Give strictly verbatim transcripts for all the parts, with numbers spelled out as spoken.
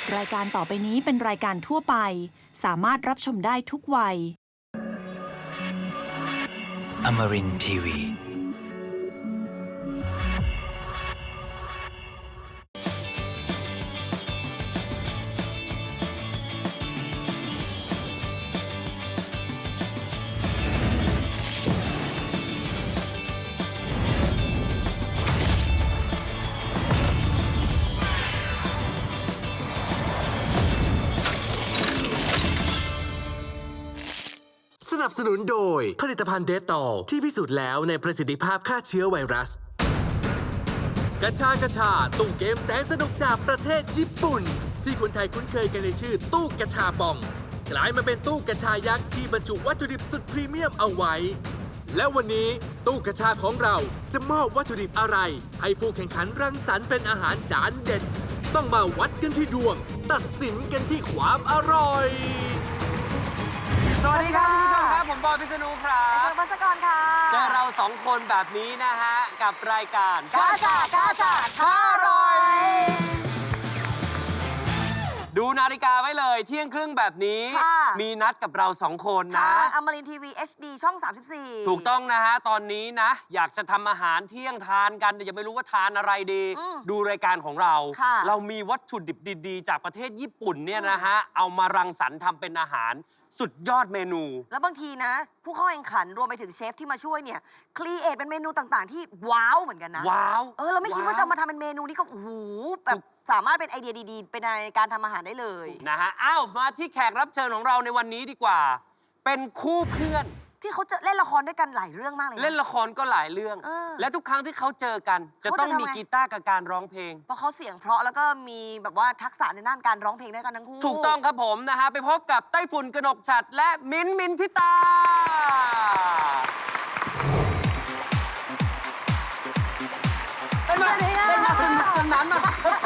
รายการต่อไปนี้เป็นรายการทั่วไปสามารถรับชมได้ทุกวัย Amarin ที วีสนับสนุนโดยผลิตภัณฑ์เดตอลที่พิสูจน์แล้วในประสิทธิภาพฆ่าเชื้อไวรัสกระชากระชาตู้เกมแสนสนุกจากประเทศญี่ปุ่นที่คนไทยคุ้นเคยกันในชื่อตู้กระชาปองกลายมาเป็นตู้กระชายักษ์ที่บรรจุวัตถุดิบสุดพรีเมียมเอาไว้และวันนี้ตู้กระชาของเราจะมอบวัตถุดิบอะไรให้ผู้แข่งขันรังสรรค์เป็นอาหารจานเด็ดต้องมาวัดกันที่ดวงตัดสินกันที่ความอร่อยสวัสดีครับคุณผู้ชมครับผมบอยพิษณุครับเฟิร์นพัสกรค่ะเจอเราสองคนแบบนี้นะฮะกับรายการกาชา กาชาท้าอร่อยดูนาฬิกาไว้เลยเที่ยงครึ่งแบบนี้ มีนัดกับเราสองคนนะอมรินทร์ทีวี เอช ดี ช่อง สามสิบสี่ถูกต้องนะฮะตอนนี้นะอยากจะทำอาหารเที่ยงทานกันแต่ยังไม่รู้ว่าทานอะไรดี ดูรายการของเรา เรามีวัตถุดิบดีๆจากประเทศญี่ปุ่นเนี่ยนะฮะเอามารังสรรค์ทำเป็นอาหารสุดยอดเมนูแล้วบางทีนะผู้เข้าแข่งขันรวมไปถึงเชฟที่มาช่วยเนี่ยครีเอทเป็นเมนูต่างๆที่ว้าวเหมือนกันนะว้าวเออเราไม่คิดว่าจะมาทำเป็นเมนูนี้ก็โอ้โหแบบสามารถเป็นไอเดียดีๆเป็นในการทำอาหารได้เลยนะฮะอ้าวมาที่แขกรับเชิญของเราในวันนี้ดีกว่าเป็นคู่เพื่อนที่เขาจะเล่นละครด้วยกันหลายเรื่องมากเลยเล่นละครก็หลายเรื่องและทุกครั้งที่เขาเจอกันจะต้องมีกีตาร์กับการร้องเพลงเพราะเขาเสียงเพราะแล้วก็มีแบบว่าทักษะในด้านการร้องเพลงด้วยกันทั้งคู่ถูกต้องครับผมนะฮะไปพบกับไต้ฝุ่นกนกฉัตรและมิ้นท์มินทิตาเป็นมาเป็นมาสนุกสนานมา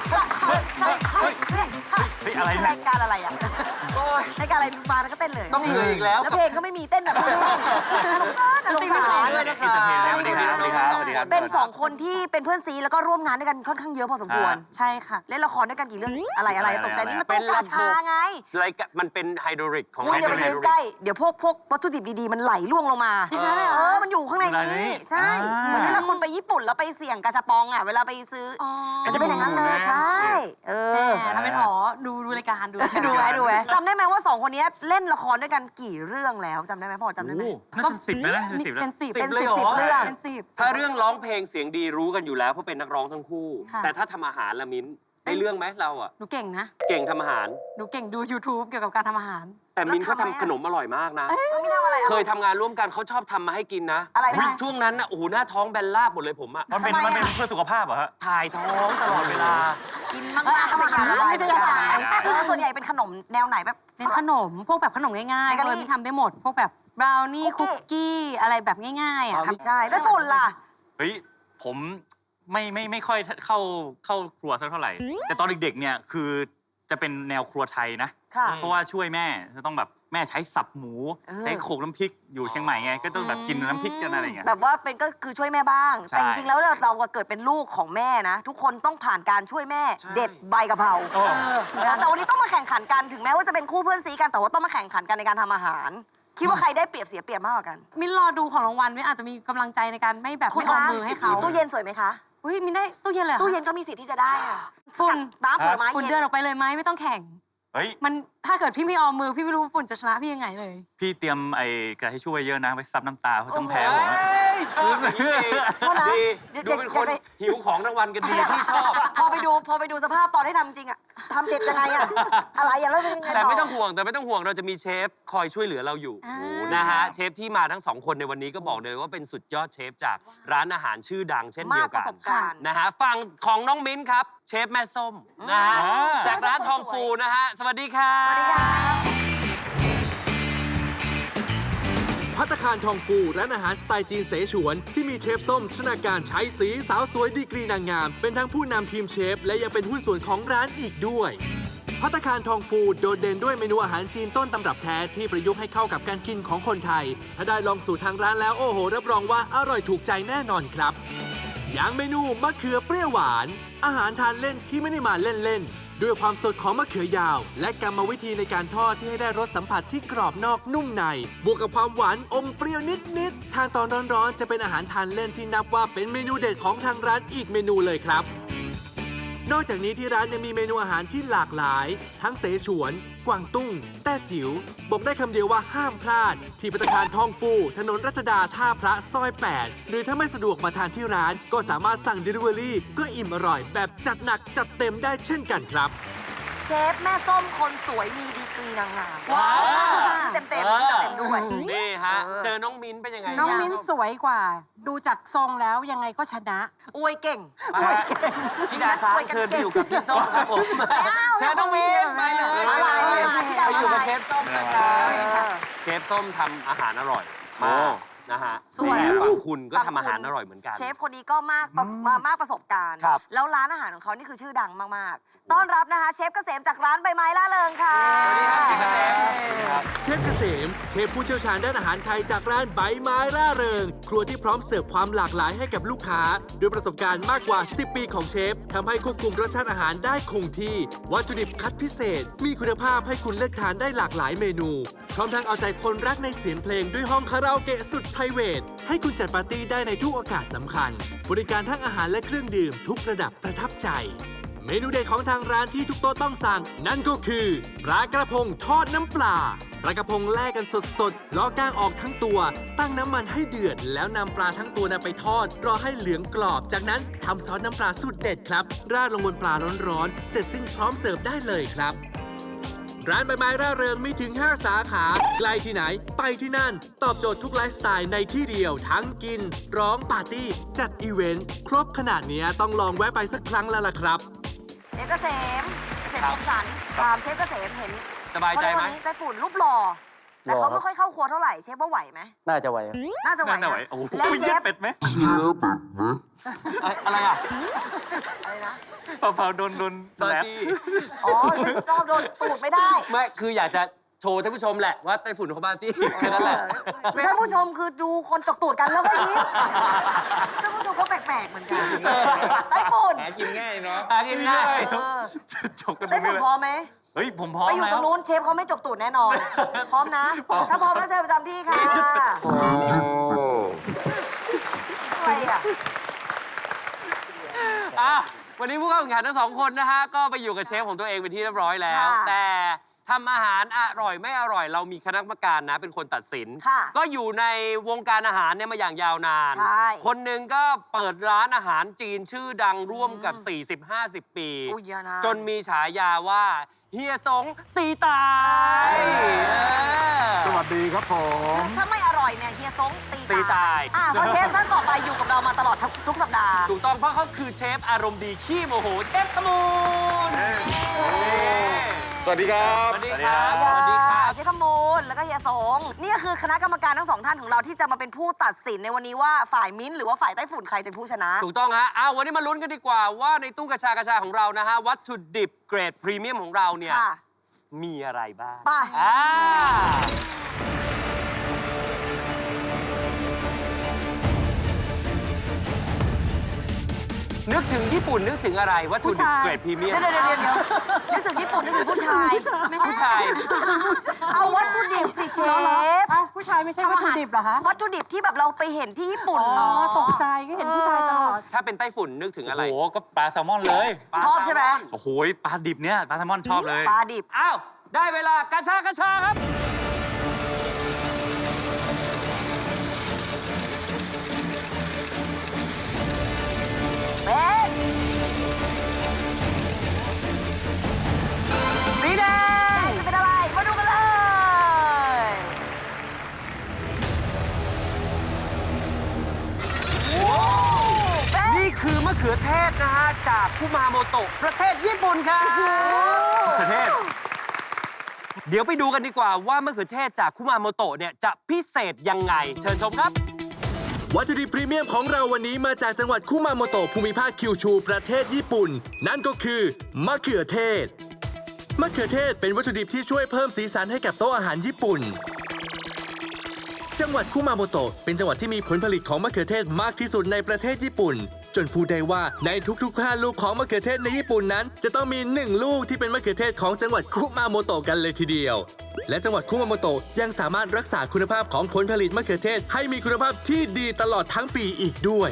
อะไรรายการอะไรอ่ะรายการอะไรมาแล้วก็เต้นเลยต้องเหนื่อยอีกแล้วแล้วเพลงก็ไม่มีเต้นแบบนี้ลงซ่านลงซ่านด้วยนะคะสวัสดีครับสวัสดีครับสวัสดีครับเป็นสองคนที่เป็นเพื่อนซีแล้วก็ร่วมงานด้วยกันค่อนข้างเยอะพอสมควรใช่ค่ะเล่นละครด้วยกันกี่เรื่องอะไรอะไรตกใจนี่มันตู้กระชาไงอะไรมันเป็นไฮโดรลิกของคุณอย่าไปยืนใกล้เดี๋ยวพวกพวกวัตถุดิบดีๆมันไหลล่วงลงมาเออมันอยู่ข้างในนี้ใช่เหมือนเวลาคุณไปญี่ปุ่นแล้วไปเสี่ยงกาชาปองอ่ะเวลาไปซื้อจะเป็นอย่างนั้นเลยใช่เออทำเป็นอ๋อดูดูรายการดูดูไว้ดูไว้จำได้ไหมว่าสองคนนี้เล่นละครด้วยกันกี่เรื่องแล้วจำได้ไหมพ่อจำได้ไหมก็สิบนะเป็นสิบเป็นสิบสิบเรื่องเป็นสิบถ้าเรื่องร้องเพลงเสียงดีรู้กันอยู่แล้วเพราะเป็นนักร้องทั้งคู่แต่ถ้าทำอาหารละมิ้นได้เรื่องไหมเราอ่ะหนูเก่งนะเก่งทำอาหารหนูเก่งดู YouTube เกี่ยวกับการทำอาหารแต่มิ้นเขาทำขนมอร่อยมากนะเคยทำงานร่วมกันเขาชอบทำมาให้กินนะอะไรช่วงนั้นนะโอ้โหหน้าท้องแบนลาบหมดเลยผมอ่ะมันเป็นมันเป็นเพื่อสุขภาพเหรอฮะถ่ายท้องตลอดเวลากินมากๆก็ไม่กินอะไรไม่ใช่เออส่วนใหญ่เป็นขนมแนวไหนแบบเป็นขนมพวกแบบขนมง่ายๆเลยที่ทำได้หมดพวกแบบบราวนี่คุกกี้อะไรแบบง่ายๆอ่ะทำใช่แล้วฝุ่นล่ะเฮ้ยผมไม่ไม่ไม่ค่อยเข้าเข้าครัวสักเท่าไหร่แต่ตอนเด็กๆเนี่ยคือจะเป็นแนวครัวไทยนะเพราะว่าช่วยแม่จะต้องแบบแม่ใช้สับหมูใช้โขลกน้ำพริกอยู่เชียงใหม่ไงก็ต้องแบบกินน้ำพริกกันอะไรอย่างเงี้ยแบบว่าเป็นก็คือช่วยแม่บ้างแต่จริงๆแล้วเราเกิดเป็นลูกของแม่นะทุกคนต้องผ่านการช่วยแม่เด็ดใบกะเพราแต่วันนี้ต้องมาแข่งขันกันถึงแม้ว่าจะเป็นคู่เพื่อนซีกันแต่ว่าต้องมาแข่งขันกันในการทำอาหารคิดว่าใครได้เปรียบเสียเปรียบมากกว่ากันมินรอดูของรางวัลมินอาจจะมีกำลังใจในการไม่แบบไม่เอามือให้เขาตู้เย็นสวยไหมคะอุ้ยมินได้ตู้เย็นเลยตู้เย็นก็มีสิทธิ์ที่จะได้อะฝุ่นน้ำผลไม้ฝุ่นเดินออกไปเลยไหมไม่ต้องแข่งเฮ้ยมันถ้าเกิดพี่ไม่เอามือพี่ไม่รู้ฝุ่นจะชนะพี่ยังไงเลยพี่เตรียมไอ้กระดาษทิชชู่ไว้เยอะนะไว้ซับน้ำตาเพราะต้องแพ้ผมชอบดีดูเป็นคนหิวของรางวัลกันดีที่ชอบพอไปดูพอไปดูสภาพตอนที่ทำจริงอะทำเด็ดยังไงอะอะไรอะแล้วยังไงแต่ไม่ต้องห่วงแต่ไม่ต้องห่วงเราจะมีเชฟคอยช่วยเหลือเราอยู่นะฮะเชฟที่มาทั้งสองคนในวันนี้ก็บอกเลยว่าเป็นสุดยอดเชฟจากร้านอาหารชื่อดังเช่นเดียวกันนะฮะฝั่งของน้องมิ้นครับเชฟแม่ส้มนะฮะจากร้านทองฟูนะฮะสวัสดีครับสวัสดีครับภัตตาคารทองฟูร้านอาหารสไตล์จีนเสฉวนที่มีเชฟส้มชนาการใช้สีสาวสวยดีกรีนางงามเป็นทั้งผู้นำทีมเชฟและยังเป็นหุ้นส่วนของร้านอีกด้วยภัตตาคารทองฟูโดดเด่นด้วยเมนูอาหารจีนต้นตำรับแท้ที่ประยุกต์ให้เข้ากับการกินของคนไทยถ้าได้ลองสูตรทางร้านแล้วโอ้โหรับรองว่าอร่อยถูกใจแน่นอนครับอย่างเมนูมะเขือเปรี้ยวหวานอาหารทานเล่นที่ไม่ได้มาเล่นๆด้วยความสดของมะเขือยาว และกรรมวิธีในการทอดที่ให้ได้รสสัมผัสที่กรอบนอกนุ่มใน บวกกับความหวานอมเปรี้ยวนิดๆทานตอนร้อนๆจะเป็นอาหารทานเล่นที่นับว่าเป็นเมนูเด็ดของทางร้านอีกเมนูเลยครับ นอกจากนี้ที่ร้านยังมีเมนูอาหารที่หลากหลาย ทั้งเสฉวน กวางตุ้ง แต้จิ๋ว บอกได้คำเดียวว่าห้ามพลาด ที่ภัตตาคารทองฟู ถนนรัชดาท่าพระซอย แปด หรือถ้าไม่สะดวกมาทานที่ร้าน ก็สามารถสั่ง Delivery ก็อิ่มอร่อยแบบจัดหนักจัดเต็มได้เช่นกันครับเชฟแม่ส้มคนสวยมีดีกรีนางงามว้าวชื่อเต็มๆชื่อเต็มๆด้วยนี่ฮะเออเจอน้องมิ้นเป็นยังไงน้องมิ้นสวยกว่า ดูจากทรงแล้วยังไงก็ชนะอวยเก่งอวยเก่งที่ดาช้างเชิญไปอยู่กับพี่ส้มครับผมเชิญน้องมิ้นไปเลยมาเลยมาเลยไปอยู่กับเชฟส้มนะครับเออเชฟส้มทำอาหารอร่อยมากนะฮะส่วนแต่ฝั่งคุณก็ฝั่งทำอาหารคุณอร่อยเหมือนกันเชฟคนนี้ก็มากประสมามากประสบการณ์ครับแล้วร้านอาหารของเขานี่คือชื่อดังมากๆ ต้อนรับนะคะ เชฟเกษมจากร้านใบไม้ล่าเริงค่ะสวัสดีครับเชฟเกษม เชฟผู้เชี่ยวชาญด้านอาหารไทยจากร้านใบไม้ร่าเริง ครัวที่พร้อมเสิร์ฟความหลากหลายให้กับลูกค้า ด้วยประสบการณ์มากกว่า สิบ ปีของเชฟทำให้ควบคุมรสชาติอาหารได้คงที่ วัตถุดิบคัดพิเศษ มีคุณภาพให้คุณเลือกทานได้หลากหลายเมนู พร้อมทั้งเอาใจคนรักในเสียงเพลงด้วยห้องคาราโอเกะสุดไพรเวทให้คุณจัดปาร์ตี้ได้ในทุกโอกาสสำคัญ บริการทั้งอาหารและเครื่องดื่มทุกระดับประทับใจ เมนูเด็ดของทางร้านที่ทุกโต๊ะต้องสั่ง นั่นก็คือปลากระพงทอดน้ำปลาปลากระพงแล่กันสดๆล้อก้างออกทั้งตัว ตั้งน้ำมันให้เดือด แล้วนำปลาทั้งตัวนำไปทอด รอให้เหลืองกรอบ จากนั้นทำซอสน้ำปลาสูตรเด็ดครับ ราดลงบนปลาร้อนๆเสร็จสิ้นพร้อมเสิร์ฟได้เลยครับ ร้านใบไม้ร่าเริงมีถึง ห้า สาขาใกล้ที่ไหน ไปที่นั่น ตอบโจทย์ทุกไลฟ์สไตล์ในที่เดียว ทั้งกิน ร้องปาร์ตี้ จัดอีเวนต์ ครบขนาดเนี้ยต้องลองแวะไปสักครั้งแล้วล่ะครับเชฟเกษมเกษมคมสันถามเชฟเกษมเห็นสบายใจไหมเขาเรีกว่านี้ไต้ฝุ่นรูปหล่อแต่เขาไม่ค่อยเข้าครัวเท่าไหร่เชฟว่าไหวไหมน่าจะไหวครับน่าจะไหวน่านะไหวโอ้โหแล้วเชเย็ฟดเป็ดไหมอะไรอ่ะอะไรนะเผาๆโดนโดนซอแลบจี้อ๋อชอบโดนสูตรไม่ได้ไม่ คืออยากจะโชว์ท่านผู้ชมแหละว่าไต้ฝุ่นเขาบ้าจี้แค่นั้นแหละหรือท่านผู้ชมคือดูคนจกตูดกันแล้วก็ยิ้มท่านผู้ชมก็แปลกๆเหมือนกันไต้ฝุ่นหากินง่ายเนาะหากินง่ายเออจกกันตรไต้งนี้ฝุ่นเลยพร้อมไหมเฮ้ย ผมพร้อมไปอยู่แล้ตรวงนู้นเชฟเขาไม่จกตูดแน่นอน พร้อมนะ ถ้าพร้อมแล้วเชิญประจำที่ค่ะอะไรอ่ะอ่ะวันนี้ผู้เข้าแข่งขันทั้งสองคนนะฮะ ก็ไปอยู่กับเชฟของตัวเองเป็นที่เรียบร้อยแล้วค่ะแต่ทำอาหารอร่อยไม่อร่อย เรามีคณะกรรมการนะเป็นคนตัดสินค่ะก็อยู่ในวงการอาหารเนี่ยมาอย่างยาวนานใช่คนหนึ่งก็เปิดร้านอาหารจีนชื่อดังร่วมกับ สี่สิบห้าสิบ ปีอุ้ยเยอะนะจนมีฉายาว่าเฮียสงตีตายเอ้ยเออสวัสดีครับผมคือถ้าไม่อร่อยเนี่ยเฮียซงตีตีตายอ่ะเพราะเชฟท่านต่อไปอยู่กับเรามาตลอดทุกทุกสัปดาห์ถูกต้องเพราะเขาคือเชฟอารมณ์ดีขี้โมโหเชฟขมูลสวัสดีครับสวัสดีครับสวัสดีครับเชฟขมูลแล้วก็เฮียสงนี่ก็คือคณะกรรมการทั้งสองท่านของเราที่จะมาเป็นผู้ตัดสินในวันนี้ว่าฝ่ายมิ้นท์หรือว่าฝ่ายไต้ฝุ่นใครจะเป็นผู้ชนะถูกต้องฮะอ้าววันนี้มาลุ้นกันดีกว่าว่าในตู้กระชากระชาของเรานะฮะ วัตถุดิบเกรดพรีเมียมของเราเนี่ยค่ะมีอะไรบ้างไปอ่านึกถึงญี่ปุ่นนึกถึงอะไร วัตถุดิบเกรดพรีเมียมเดี๋ยวเดี๋ยวเดี๋ยวเดี๋ยวนึกถึงญี่ปุ่นนึกถึงผู้ชายผู้ชายเอาวัตถุดิบสิเชฟเอ้าผู้ชายไม่ใช่วัตถุดิบเหรอคะวัตถุดิบที่แบบเราไปเห็นที่ญี่ปุ่นอ๋อ ตกใจก็เห็นผู้ชายตลอดถ้าเป็นไต้ฝุ่นนึกถึงโอ้อะไรโห ก็ปลาแซลมอนเลยชอบใช่ไหมโอ้โห ปลาดิบเนี่ย ปลาแซลมอนชอบเลยปลาดิบอ้าว ได้เวลากระชากระชาครับเป็นสีแดงจะเป็นอะไร มาดูกันเลยนี่คือมะเขือเทศนะฮะ จากคุมาโมโตะประเทศญี่ปุ่นครับประเทศ เดี๋ยวไปดูกันดีกว่าว่ามะเขือเทศจากคุมาโมโตะเนี่ยจะพิเศษยังไง เชิญชมครับวัตถุดิบพรีเมียมของเราวันนี้มาจากจังหวัดคุมาโมโตะภูมิภาคคิวชู ประเทศญี่ปุ่น นั่นก็คือมะเขือเทศ มะเขือเทศเป็นวัตถุดิบที่ช่วยเพิ่มสีสันให้กับโต๊ะอาหารญี่ปุ่น จังหวัดคุมาโมโตะเป็นจังหวัดที่มีผลผลิตของมะเขือเทศมากที่สุดในประเทศญี่ปุ่นจนพูดได้ว่าในทุกๆห้าลูกของมะเขือเทศในญี่ปุ่นนั้น จะต้องมีหนึ่งลูกที่เป็นมะเขือเทศของจังหวัดคุมาโมโตะกันเลยทีเดียว และจังหวัดคุมาโมโตะยังสามารถรักษาคุณภาพของผลผลิตมะเขือเทศให้มีคุณภาพที่ดีตลอดทั้งปีอีกด้วย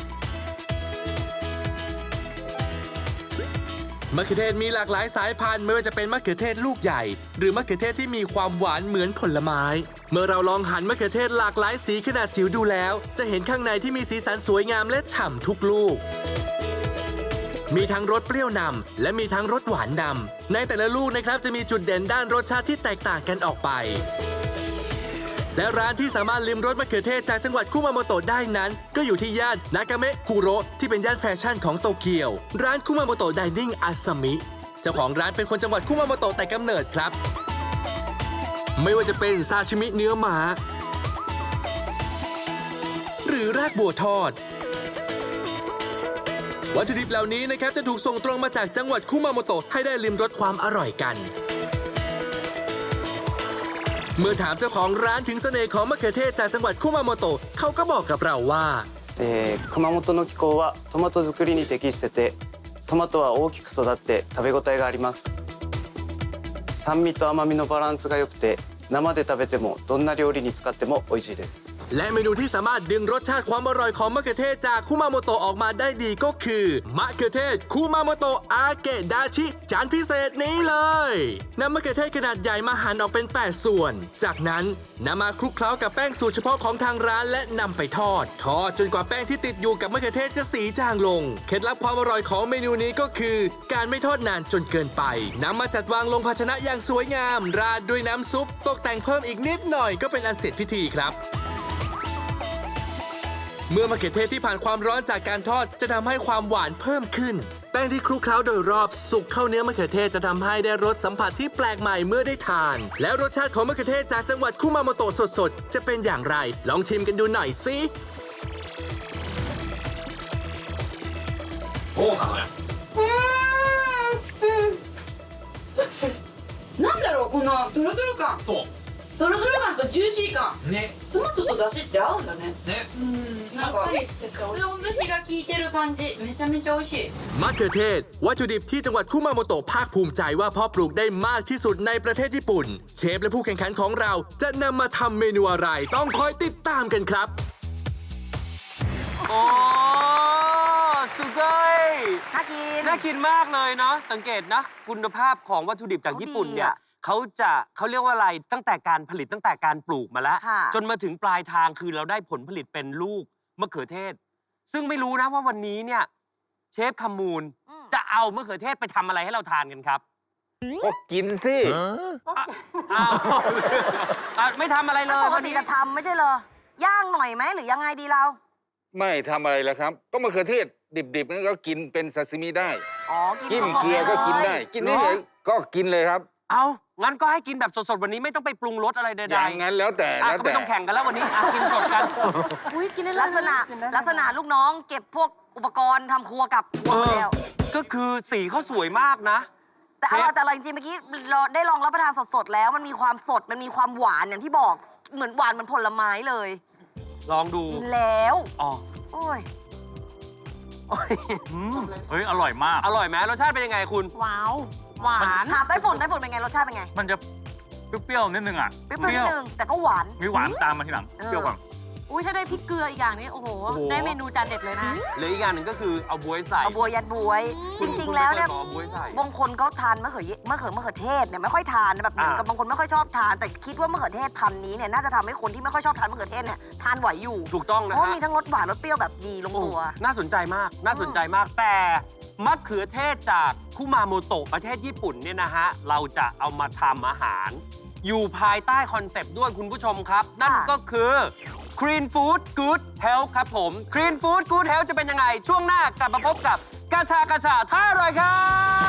มะเขือเทศมีหลากหลายสายพันธุ์ไม่ว่าจะเป็นมะเขือเทศลูกใหญ่หรือมะเขือเทศที่มีความหวานเหมือนผลไม้เมื่อเราลองหั่นมะเขือเทศหลากหลายสีขนาดจิ๋วดูแล้ว จะเห็นข้างในที่มีสีสันสวยงามและฉ่ำทุกลูกมีทั้งรสเปรี้ยวนำและมีทั้งรสหวานนำในแต่ละลูกนะครับจะมีจุดเด่นด้านรสชาติที่แตกต่างกันออกไปและร้านที่สามารถลิมรสมะเขือเทศจากจังหวัดคุมาโมโตะได้นั้นก็อยู่ที่ย่านนากาเมะคุโระที่เป็นย่านแฟชั่นของโตเกียวร้านคุมาโมโตะไดนิ่งอาซามิเจ้าของร้านเป็นคนจังหวัดคุมาโมโตะแต่กำเนิดครับไม่ว่าจะเป็นซาชิมิเนื้อหมาหรือรากบัวทอดวัตถุดิบเหล่านี้นะครับจะถูกส่งตรงมาจากจังหวัดคุมาโมโตะให้ได้ลิมรสความอร่อยกันเมื่อถามเจ้าของร้านถึงเสน่ห์ของมะเขือเทศจากจังหวัดคุมาโมโตะเขาก็บอกกับเราว่าえー、熊本の気候はトマト作りに適しててトマトは大きく育って食べ応えがあります酸味と甘みのバランスが良くて生で食べてもどんな料理に使っても美味しいですและเมนูที่สามารถดึงรสชาติความอร่อยของมะเขือเทศจากคุมาโมโตะออกมาได้ดีก็คือมะเขือเทศคุมาโมโตะอาเกะดาชิจานพิเศษนี้เลยนำมะเขือเทศขนาดใหญ่มาหั่นออกเป็นแปดส่วนจากนั้นนำมาคลุกเคล้ากับแป้งสูตรเฉพาะของทางร้านและนำไปทอดทอดจนกว่าแป้งที่ติดอยู่กับมะเขือเทศจะสีจางลงเคล็ดลับความอร่อยของเมนูนี้ก็คือการไม่ทอดนานจนเกินไปนำมาจัดวางลงภาชนะอย่างสวยงามราดด้วยน้ำซุปตกแต่งเพิ่มอีกนิดหน่อยก็เป็นอันเสร็จพิธีครับเมื่อมะเขือเทศที่ผ่านความร้อนจากการทอดจะทำให้ความหวานเพิ่มขึ้นแป้งที่คลุกเคล้าโดยรอบสุกเข้าเนื้อมะเขือเทศจะทำให้ได้รสสัมผัสที่แปลกใหม่เมื่อได้ทานแล้วรสชาติของมะเขือเทศจากจังหวัดคุมาโมโตะสดๆจะเป็นอย่างไรลองชิมกันดูหน่อยสิโอ้ครับなんだろうこのトロトロ感そうトロトロ感とジューシー感ねトマトとだしって合うんだねねうんなんかかつお節が効いてる感じめちゃめちゃ美味しいมะเขือเทศวัตถุดิบที่จังหวัดคุมาโมโตะภาคภูมิใจว่าเพาะปลูกได้มากที่สุดในประเทศญี่ปุ่นเชฟและผู้แข่งขันของเราจะนำมาทำเมนูอะไรต้องคอยติดตามกันครับโอ้สุดเลยน่ากินน่ากินมากเลยเนาะสังเกตนะคุณภาพของวัตถุดิบจากญี่ปุ่นเนี่ยเขาจะเขาเรียกว่าอะไรตั้งแต่การผลิตตั้งแต่การปลูกมาแล้วจนมาถึงปลายทางคือเราได้ผลผลิตเป็นลูกมะเขือเทศซึ่งไม่รู้นะว่าวันนี้เนี่ยเชฟคำมูลจะเอามะเขือเทศไปทำอะไรให้เราทานกันครับก็กินสิอ้าวอ่ะไม่ทำอะไรเลยปกวันตินี้จะทำไม่ใช่เหรอย่างหน่อยไหมหรือยังไงดีเราไม่ทำอะไรแล้วครับ ก็มะเขือเทศดิบๆนั่นก็กินเป็นซาซิมิได้อ๋อกินจิ้มสดๆเกลือก็กินได้เลยกินได้เลยก็กินเลยครับเอางั้นก็ให้กินแบบสดๆวันนี้ไม่ต้องไปปรุงรสอะไรใดๆอย่างนั้นแล้วแต่อ่ะแล้วก็แต่ไม่ต้องแข่งกันแล้ววันนี้อ่ะกินสดกันอุ้ยกินได้ลักษณะลักษณะลูกน้องเก็บพวกอุปกรณ์ทำครัวกลับครัวมาแล้วก็คือสีเขาสวยมากนะแต่อร่อยแต่อร่อยจริงๆเมื่อกี้เราได้ลองรับประทานสดๆแล้วมันมีความสดมันมีความหวานอย่างที่บอกเหมือนหวานเหมือนผลไม้เลยลองดูกินแล้วอ๋อโอ้ยโอ้ยอืมเฮ้ย อร่อยมากอร่อยไหมรสชาติเป็นยังไงคุณว้าวหวานถามไต้ฝุ่นไต้ฝุ่นเป็นไงรสชาติเป็นไงมันจะเปรี้ยวๆนิดนึงอ่ะเปรี้ยวๆนิดนึงแต่ก็หวานมีหวานตามมาทีหลังเออเปรี้ยวก่อนอุ้ยถ้าได้พริกเกลืออีกอย่างนี้โอ้โหโอ้โหได้เมนูจานเด็ดเลยนะเหลืออีกอย่างหนึ่งก็คือเอาบ๊วยใส่เอาบัวยัดบวย จคุณริงคุณๆ แล้วเนี่ยไม่คบอกเอาบ๊วยใส่บางคนเขาทานมะเขือเยมะเขือมะเขือเทศเนี่ยไม่ค่อยทานนะแบบเหมือนอ่ากับบางคนไม่ค่อยชอบทาน แต่คิดว่ามะเขือเทศพันธุ์นี้เนี่ยน่าจะทำให้คนที่ไม่ค่อยชอบทานมะเขือเทศเนี่ยทานไหวอยู่ถูกต้องเพนะราะว่าฮะมีทั้งรสหวานรสเปรี้ยวแบบดีลงโอ้ตัวน่าสนใจมาก น่าสนใจมาก แต่มะเขือเทศจากคุมาโมโตะประเทศญี่ปุ่นเนี่ยนะฮะ เราจะเอามาทำอาหาร อยู่ภายใต้คอนเซปต์ด้วยคุณผู้ชมครับ นั่นก็คือ Clean Food Good Health ครับผม Clean Food Good Health จะเป็นยังไง ช่วงหน้ากลับมาพบกับกาชากาชาท่าอร่อยครับ